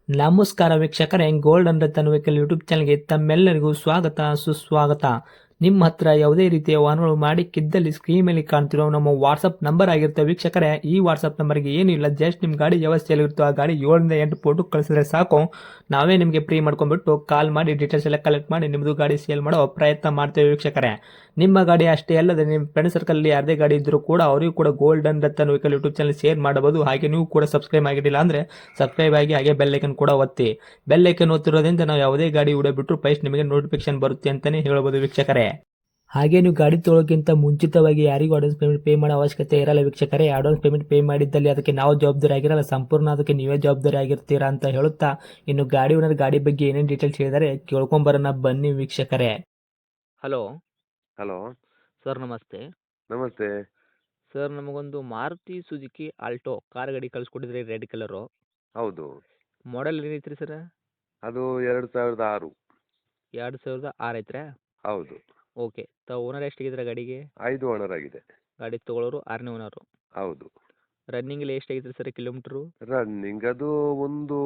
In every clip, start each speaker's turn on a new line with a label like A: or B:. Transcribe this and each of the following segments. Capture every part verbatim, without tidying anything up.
A: ನಮಸ್ಕಾರ ವೀಕ್ಷಕರೇ, gold and Ratan vehicle YouTube ಚಾನಲ್ಗೆ ತಮ್ಮೆಲ್ಲರಿಗೂ ಸ್ವಾಗತ ಸುಸ್ವಾಗತ. ನಿಮ್ಮ ಹತ್ರ ಯಾವುದೇ ರೀತಿಯ ವಾಹನಗಳು ಮಾಡಿಕ್ಕಿದ್ದಲ್ಲಿ ಸ್ಕ್ರೀನ್ ಮೇಲೆ ಕಾಣ್ತಿರೋ ನಮ್ಮ ವಾಟ್ಸಪ್ ನಂಬರ್ ಆಗಿರುತ್ತೆ ವೀಕ್ಷಕರೇ. ಈ ವಾಟ್ಸಪ್ ನಂಬರ್ಗೆ ಏನಿಲ್ಲ, ಜಸ್ಟ್ ನಿಮ್ಮ ಗಾಡಿ ವ್ಯವಸ್ಥೆಯಲ್ಲಿರುತ್ತೋ ಆ ಗಾಡಿ ಏಳರಿಂದ ಎಂಟು ಫೋಟೋ ಕಳಿಸಿದ್ರೆ ಸಾಕು, ನಾವೇ ನಿಮಗೆ ಫ್ರೀ ಮಾಡ್ಕೊಂಡ್ಬಿಟ್ಟು ಕಾಲ್ ಮಾಡಿ ಡೀಟೇಲ್ಸ್ ಎಲ್ಲ ಕಲೆಕ್ಟ್ ಮಾಡಿ ನಿಮ್ಮದು ಗಾಡಿ ಸೇಲ್ ಮಾಡೋ ಪ್ರಯತ್ನ ಮಾಡ್ತೇವೆ ವೀಕ್ಷಕರೇ. ನಿಮ್ಮ ಗಾಡಿ ಅಷ್ಟೇ ಅಲ್ಲದೆ ನಿಮ್ಮ ಫ್ರೆಂಡ್ ಸರ್ಕಲಲ್ಲಿ ಯಾರದೇ ಗಾಡಿ ಇದ್ದರೂ ಕೂಡ ಅವರಿಗೂ ಕೂಡ gold and Ratan vehicle YouTube channel share ಮಾಡಬಹುದು. ಹಾಗೆ ನೀವು ಕೂಡ ಸಬ್ಸ್ಕ್ರೈಬ್ ಆಗಿರಲಿಲ್ಲ ಅಂದರೆ ಸಬ್ಸ್ಕ್ರೈಬ್ ಆಗಿ ಹಾಗೆ ಬೆಲ್ ಐಕನ್ ಕೂಡ ಒತ್ತಿ. ಬೆಲ್ ಐಕನ್ ಒತ್ತಿರೋದ್ರಿಂದ ನಾವು ಯಾವುದೇ ಗಾಡಿ ವಿಡಿಯೋ ಬಿಟ್ಟರು ಫಸ್ಟ್ ನಿಮಗೆ ನೋಟಿಫಿಕೇಶನ್ ಬರುತ್ತೆ ಅಂತಲೇ ಹೇಳ್ಬೋದು ವೀಕ್ಷಕರೇ. ಹಾಗೆ ನೀವು ಗಾಡಿ ತೊಳೋಕ್ಕಿಂತ ಮುಂಚಿತವಾಗಿ ಯಾರಿಗೂ ಅಡ್ವಾನ್ಸ್ ಪೇಮೆಂಟ್ ಪೇ ಮಾಡೋ ಅವಶ್ಯಕತೆ ಇರಲ್ಲ ವೀಕ್ಷಕರೇ. ಅಡ್ವಾನ್ಸ್ ಪೇಮೆಂಟ್ ಪೇ ಮಾಡಿದ್ದಲ್ಲಿ ಅದಕ್ಕೆ ನಾವು ಜವಾಬ್ದಾರಿ ಆಗಿರಲ್ಲ, ಸಂಪೂರ್ಣ ಅದಕ್ಕೆ ನೀವೇ ಜವಾಬ್ದಾರಿ ಆಗಿರ್ತೀರಾ ಅಂತ ಹೇಳುತ್ತಾ, ಇನ್ನು ಗಾಡಿ ಓನರ್ ಗಾಡಿ ಬಗ್ಗೆ ಏನೇನು ಡೀಟೇಲ್ಸ್ ಹೇಳಿದರೆ ಕೇಳ್ಕೊಂಬರೋಣ ಬನ್ನಿ ವೀಕ್ಷಕರೇ. ಹಲೋ
B: ಹಲೋ
A: ಸರ್, ನಮಸ್ತೆ.
B: ನಮಸ್ತೆ.
A: ಸರ್, ನಮಗೊಂದು ಮಾರುತಿ ಸುಜುಕಿ ಆಲ್ಟೋ ಕಾರ್ ಗಾಡಿ ಕಳಿಸ್ಕೊಟ್ಟಿದ್ರಿ, ರೆಡ್ ಕಲರು.
B: ಹೌದು,
A: ಮಾಡೆಲ್ ಏನೈತ್ರಿ ಸರ್?
B: ಅದು ಎರಡು ಸಾವಿರದ ಆರು.
A: ಎರಡು ಸಾವಿರದ ಆರು ಐತ್ರಾ?
B: ಹೌದು,
A: ಓಕೆ. ತಾವು ಓನರ್ ಎಷ್ಟಾಗಿದ್ರೆ ಗಾಡಿಗೆ?
B: ಐದು ಓನರ್ ಆಗಿದೆ.
A: ಗಾಡಿ ತೊಗೊಳೋರು ಆರನೇ ಓನರು.
B: ಹೌದು.
A: ರನ್ನಿಂಗಲ್ಲಿ ಎಷ್ಟಾಗಿತ್ತು ಸರ್ ಕಿಲೋಮೀಟ್ರು?
B: ರನ್ನಿಂಗ್ ಅದು ಒಂದು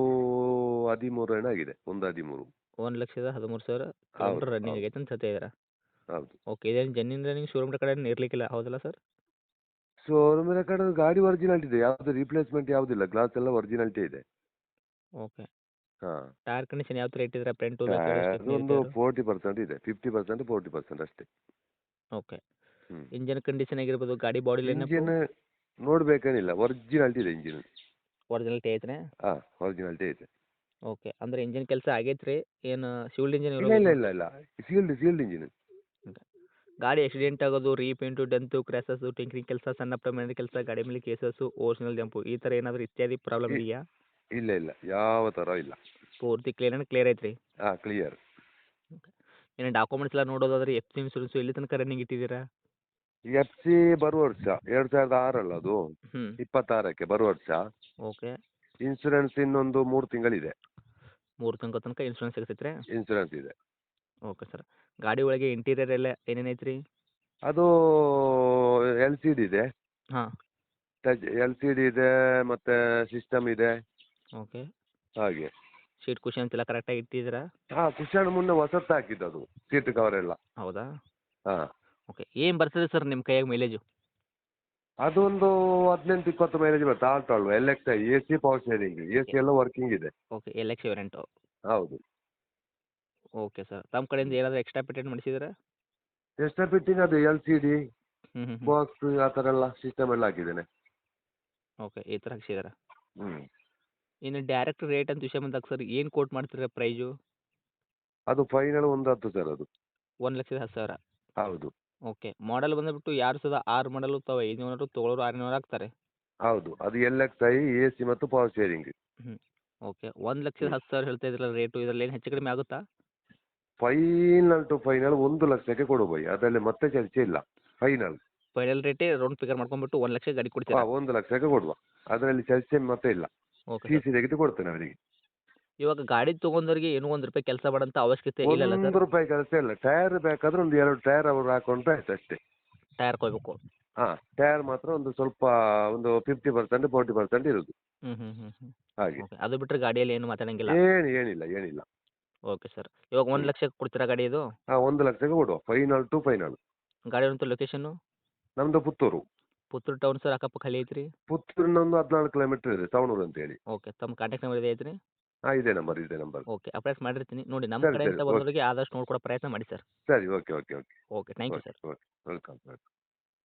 B: ಹದಿಮೂರು ಏನೋ ಆಗಿದೆ, ಒಂದು ಹದಿಮೂರು.
A: ಒಂದು ಲಕ್ಷದ ಹದಿಮೂರು ಸಾವಿರ ಕಿಲೋಮೀಟರ್ ರನ್ನಿಂಗ್
B: ಹೌದು.
A: ಆಗೈತೆ ಅಂತ ಹೇಳ್ತಾ ಇದ್ದೀರಾ?
B: ಹೌದು.
A: ಓಕೆ. ಇದೇನು ಜೆನ್ಯೂನ್ ರನ್ನಿಂಗ್ ಶೋರೂಮ್ ಕಡೆ ಇರಲಿಕ್ಕಿಲ್ಲ, ಹೌದಲ್ಲ ಸರ್?
B: ಶೋರೂಮಿನ ಕಡೆ ಗಾಡಿ ಒರಿಜಿನಾಲಿಟಿ ಇದೆ, ಯಾವುದು ರಿಪ್ಲೇಸ್ಮೆಂಟ್ ಯಾವುದಿಲ್ಲ, ಗ್ಲಾಸ್ ಎಲ್ಲ ಒರಿಜಿನಾಲಿಟಿ ಇದೆ.
A: ಓಕೆ.
B: ಹಾಂ,
A: ಟೈರ್ ಕಂಡೀಷನ್ ಯಾವ ಥರ ಇಟ್ಟಿದ್ದೀರಾ? ಫ್ರಂಟ್ ಟು
B: ಟೈರ್ ಒಂದು ಫೋರ್ಟಿ ಪರ್ಸೆಂಟ್ ಇದೆ, ಫಿಫ್ಟಿ ಪರ್ಸೆಂಟ್ ಫೋರ್ಟಿ ಪರ್ಸೆಂಟ್ ಅಷ್ಟೇ.
A: ಓಕೆ.
B: ಹ್ಞೂ
A: ಇಂಜನ್ ಕಂಡೀಷನ್ ಆಗಿರ್ಬೋದು, ಗಾಡಿ ಬಾಡಿ ಲೈನ್
B: ಇಂಜಿನ್ ನೋಡ್ಬೇಕೇನಿಲ್ಲ, ಒರಿಜಿನಾಲಿಟಿ ಇದೆ ಇಂಜಿನ್.
A: ಒರಿಜಿನಲ್ಟಿ ಐತ್ರಿ?
B: ಹಾಂ, ಒರಿಜಿನಾಲಿಟಿ ಇದೆ.
A: ಓಕೆ. ಅಂದ್ರೆ ಇಂಜಿನ್ ಕೆಲಸ ಆಗೈತ್ರಿ? ಏನು ಶಿವಲ್ಡ್ ಇಂಜಿನ್
B: ಇಲ್ಲ ಇಲ್ಲ ಇಲ್ಲ ಇಲ್ಲ ಸೀಲ್ಡ್ ಸೀಲ್ಡ್ ಇಂಜಿನ್.
A: ಗಾಡಿ ಆಕ್ಸಿಡೆಂಟ್ ಆಗೋದು, ರೀಪೇಂಟು, ಡೆಂತು, ಕ್ರ್ಯಾಸಸ್ಸು, ಟಿಂಕ್ರಿಂಗ್ ಕೆಲಸ, ಸಣ್ಣ ಪ್ರಮಾಣದ ಕೆಲಸ, ಗಾಡಿ ಮೇಲೆ ಕೇಸಸ್ಸು, ಓರಿಜಿನಲ್ ಜಂಪು, ಈ ಥರ ಏನಾದರೂ ಇತ್ಯಾದಿ ಪ್ರಾಬ್ಲಮ್ ಇದೆಯಾ?
B: ಇಲ್ಲ ಇಲ್ಲ ಯಾವ ಥರ ಇಲ್ಲ.
A: ಪೂರ್ತಿ ಕ್ಲಿಯರ್ ಆ್ಯಂಡ್ ಕ್ಲಿಯರ್ ಐತ್ರಿ?
B: ಹಾಂ, ಕ್ಲಿಯರ್.
A: ಏನು ಡಾಕ್ಯುಮೆಂಟ್ಸ್ ಎಲ್ಲ ನೋಡೋದಾದ್ರೆ ಎಫ್ ಸಿ ಇನ್ಸೂರೆನ್ಸು ಎಲ್ಲಿ ತನಕ ರನ್ನಿಂಗ್ ಇಟ್ಟಿದ್ದೀರಾ?
B: ಎಫ್ ಸಿ ಬರುವ ವರ್ಷ ಎರಡು ಸಾವಿರದ ಆರಲ್ಲ ಅದು,
A: ಹ್ಞೂ.
B: ಇಪ್ಪತ್ತಾರಕ್ಕೆ ಬರುವ ವರ್ಷ.
A: ಓಕೆ.
B: ಇನ್ಸೂರೆನ್ಸ್ ಇನ್ನೊಂದು ಮೂರು ತಿಂಗಳಿದೆ.
A: ಮೂರು ತಿಂಗಳ ತನಕ ಇನ್ಸೂರೆನ್ಸ್ ಸಿಗ್ತೈತ್ರಿ?
B: ಇನ್ಸೂರೆನ್ಸ್ ಇದೆ.
A: Okay sir. ಗಾಡಿ ಒಳಗೆ ಇಂಟೀರಿಯರ್ ಎಲ್ಲ ಏನೇನು ಐತ್ರಿ?
B: ಅದು ಎಲ್ ಸಿ ಡಿ ಇದೆ,
A: ಹಾಂ.
B: ಟಚ್ ಎಲ್ ಸಿ ಡಿ ಇದೆ, ಮತ್ತು ಸಿಸ್ಟಮ್ ಇದೆ
A: ಓಕೆ.
B: ಹಾಗೆ.
A: ಸೀಟ್ ಕುಷನ್ಸ್ ಎಲ್ಲ ಕರೆಕ್ಟಾಗಿ ಇಟ್ಟಿದ್ದೀರಾ?
B: ಹಾಂ, ಕುಶನ್ ಮುನ್ನೆ ಹೊಸತ್ತು ಹಾಕಿದ್ದು ಅದು, ಸೀಟ್ ಕವರ್ ಎಲ್ಲ.
A: ಹೌದಾ?
B: ಹಾಂ,
A: ಓಕೆ. ಏನು ಬರ್ತದೆ ಸರ್ ನಿಮ್ಮ ಕೈಯಾಗ ಮೈಲೇಜು?
B: ಅದೊಂದು ಹದಿನೆಂಟು ಇಪ್ಪತ್ತು ಮೈಲೇಜ್ ಬರುತ್ತೆ. ಆಲ್ಟೋ ಅಲ್ವಾ, L X I, A C power sharing, A C ಎಲ್ಲ ವರ್ಕಿಂಗ್ ಇದೆ.
A: ಓಕೆ. L X variant.
B: ಹೌದು.
A: Okay sir. ತಮ್ಮ ಕಡೆಯಿಂದ ಏನಾದರೂ ಎಕ್ಸ್ಟ್ರಾ ಪೇಟೆಂಟ್ ಮಾಡಿಸಿದ್ದೀರಾ?
B: ಎಕ್ಸ್ಟ್ರಾ ಫಿಟ್ಟಿಂಗ್ ಅದು ಎಲ್ ಸಿ ಡಿ
A: ಹ್ಞೂ ಹ್ಞೂ ಹ್ಞೂ.
B: ಬಾಕ್ಸ್ ಆ ಥರ ಎಲ್ಲ ಸಿಸ್ಟಮ್ ಎಲ್ಲ ಹಾಕಿದ್ದೇನೆ.
A: ಓಕೆ. ಈ ಥರ ಹಾಕ್ಸಿದ್ದೀರಾ?
B: ಹ್ಞೂ
A: ಇನ್ನು ಡೈರೆಕ್ಟ್ ರೇಟ್ ಅಂತ ವಿಷಯ ಬಂದಾಗ ಸರ್ ಏನು ಕೋಟ್ ಮಾಡ್ತೀರಾ ಪ್ರೈಜು?
B: ಅದು ಫೈನಲ್ ಒಂದು ಹತ್ತು ಸರ್ ಅದು.
A: ಒಂದು ಲಕ್ಷದ ಹತ್ತು ಸಾವಿರ.
B: ಹೌದು.
A: ಓಕೆ. ಮಾಡೆಲ್ ಬಂದುಬಿಟ್ಟು ಎರಡು ಸಾವಿರದ ಆರು ಮಾಡಲು ತಾವು ಐದುನೂರು ತೊಗೊಳೋರು ಆರುನೂರು ಆಗ್ತಾರೆ?
B: ಹೌದು, ಅದು L X I, A C ಮತ್ತು ಪವರ್ ಶೇರಿಂಗ್.
A: ಹ್ಞೂ. ಓಕೆ. ಒಂದು ಲಕ್ಷದ ಹತ್ತು ಸಾವಿರ ಹೇಳ್ತಾ ಇದ್ರಲ್ಲ ರೇಟು, ಇದರಲ್ಲಿ ಏನು ಹೆಚ್ಚು ಕಡಿಮೆ ಆಗುತ್ತಾ?
B: ಫೈನಲ್ ಟು ಫೈನಲ್ ಒಂದು ಲಕ್ಷಕ್ಕೆ ಕೊಡು ಬೈ, ಅದರಲ್ಲಿ ಮತ್ತೆ ಚರ್ಚೆ ಇಲ್ಲ. ಫೈನಲ್
A: ಫೈನಲ್ ರೇಟೇ ರೌಂಡ್ ಫಿಗರ್ ಮಾಡ್ಕೊಂಡ್ಬಿಟ್ಟು ಒಂದು ಲಕ್ಷ ಗಾಡಿ ಕೊಡ್ತೀರಾ?
B: ಹಾಂ, ಒಂದು ಲಕ್ಷಕ್ಕೆ ಕೊಡುವ, ಅದರಲ್ಲಿ ಚರ್ಚೆ ಮತ್ತೆ ಇಲ್ಲ.
A: Okay
B: C
A: sir.
B: ಸಿ ತೆಗೆದು ಕೊಡ್ತೇನೆ ಅವರಿಗೆ.
A: ಇವಾಗ ಗಾಡಿ ತೊಗೊಂಡವ್ರಿಗೆ ಏನೂ ಒಂದು ರೂಪಾಯಿ ಕೆಲಸ ಮಾಡೋಂಥ ಅವಶ್ಯಕತೆ ಇಲ್ಲಲ್ಲ ಸರ್?
B: ಒಂದು ರೂಪಾಯಿ ಕೆಲಸ ಇಲ್ಲ. ಟೈರ್ ಬೇಕಾದ್ರೆ ಒಂದು ಎರಡು ಟೈರ್ ಅವರು ಹಾಕೊಂಡ್ರೆ ಆಯ್ತು ಅಷ್ಟೇ.
A: ಟೈರ್ ಕೊಯ್ಬೇಕು?
B: ಹಾಂ, ಟೈರ್ ಮಾತ್ರ ಒಂದು ಸ್ವಲ್ಪ ಒಂದು ಫಿಫ್ಟಿ ಪರ್ಸೆಂಟ್ ಫೋರ್ಟಿ ಪರ್ಸೆಂಟ್ ಇರೋದು
A: ಹ್ಞೂ ಹ್ಞೂ ಹ್ಞೂ ಹ್ಞೂ.
B: ಹಾಗೆ.
A: ಓಕೆ. ಅದು ಬಿಟ್ಟರೆ ಗಾಡಿಯಲ್ಲಿ ಏನು ಮಾತಾಡೋಂಗಿಲ್ಲ?
B: ಏನು ಏನಿಲ್ಲ ಏನಿಲ್ಲ.
A: Okay sir. ಇವಾಗ ಒಂದು
B: ಹ್ಞೂ
A: ಲಕ್ಷಕ್ಕೆ ಕೊಡ್ತೀರಾ ಗಾಡಿ ಇದು?
B: ಹಾಂ, ಒಂದು ಲಕ್ಷಕ್ಕೆ ಕೊಡುವ, ಫೈನಲ್ ಟು ಫೈನಲ್.
A: ಗಾಡಿ ಇರುವಂಥ ಲೊಕೇಶನ್ನು?
B: ನಮ್ಮದು ಪುತ್ತೂರು.
A: ಪುತ್ತೂರು ಟೌನ್ ಸರ್, ಅಕ್ಕಪಕ್ಕ ಹಳ್ಳಿ ಐತ್ರಿ?
B: ಪುತ್ತೂರಿನ ಒಂದು ಹದಿನಾಲ್ಕು ಕಿಲೋಮೀಟರ್ ಇದೆ, ಸವಣೂರು ಅಂತೇಳಿ.
A: ಓಕೆ. ತಮ್ಮ ಕಾಂಟ್ಯಾಕ್ಟ್ ನಂಬರ್ ಇದೆ ಐತ್ರಿ?
B: ಹಾಂ, ಇದೇ ನಂಬರ್ ಇದೇ ನಂಬರ್.
A: ಓಕೆ. ಅಪ್ಡೇಟ್ ಮಾಡಿರ್ತೀನಿ ನೋಡಿ, ನಮ್ಮ
B: ಸರಿ ಸರಿ
A: ಕಡೆಯಿಂದ
B: ಓಕೆ.
A: ಬಂದವರಿಗೆ ಆದಷ್ಟು ನೋಡ್ಕೊಡೋ ಪ್ರಯತ್ನ ಮಾಡಿ ಸರ್.
B: ಸರಿ okay okay okay
A: okay. Thank you
B: okay
A: sir.
B: Okay welcome welcome.